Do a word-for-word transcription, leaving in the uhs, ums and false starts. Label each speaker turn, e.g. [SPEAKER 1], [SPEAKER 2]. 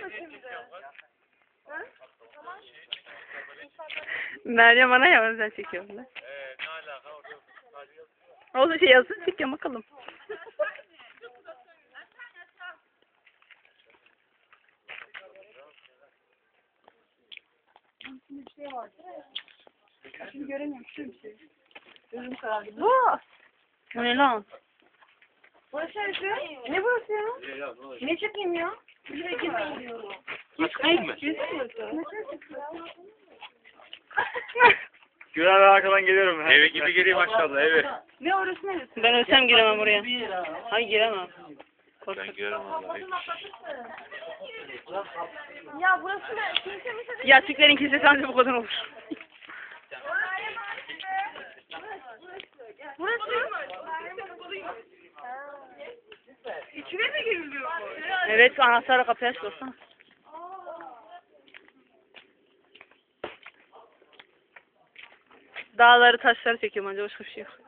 [SPEAKER 1] Meryem bana ya özel çekiyorum ben.
[SPEAKER 2] Eee ne alaka orada?
[SPEAKER 1] Olsun şey yazsın çekiyorum bakalım.
[SPEAKER 3] Bir şey var. Şimdi göremiyorum şu bir şey. Gözüm karardı.
[SPEAKER 1] Bu. Bu ne lan?
[SPEAKER 3] Burası neresi? Ne burası ya? Ne çekeyim ya? Buraya girmeyin diyorum.
[SPEAKER 2] Çıkayım mı?
[SPEAKER 3] Ne
[SPEAKER 2] Güven ben arkadan geliyorum. Evi gibi gireyim aşağıda evi.
[SPEAKER 3] Ne orası neresi?
[SPEAKER 1] Ben ölsem giremem oraya. Hayır giremem.
[SPEAKER 2] Ben girerim vallahi.
[SPEAKER 3] Ya burası ne? Kimse mi dedi?
[SPEAKER 1] Ya Türklerin kilisesi ancak bu kadar olur.
[SPEAKER 3] Burası. İçine mi giriliyor?
[SPEAKER 1] Evet anahtarla kapıyı aç dostum. Dağları taşları çekiyorum ancak başka bir şey yok.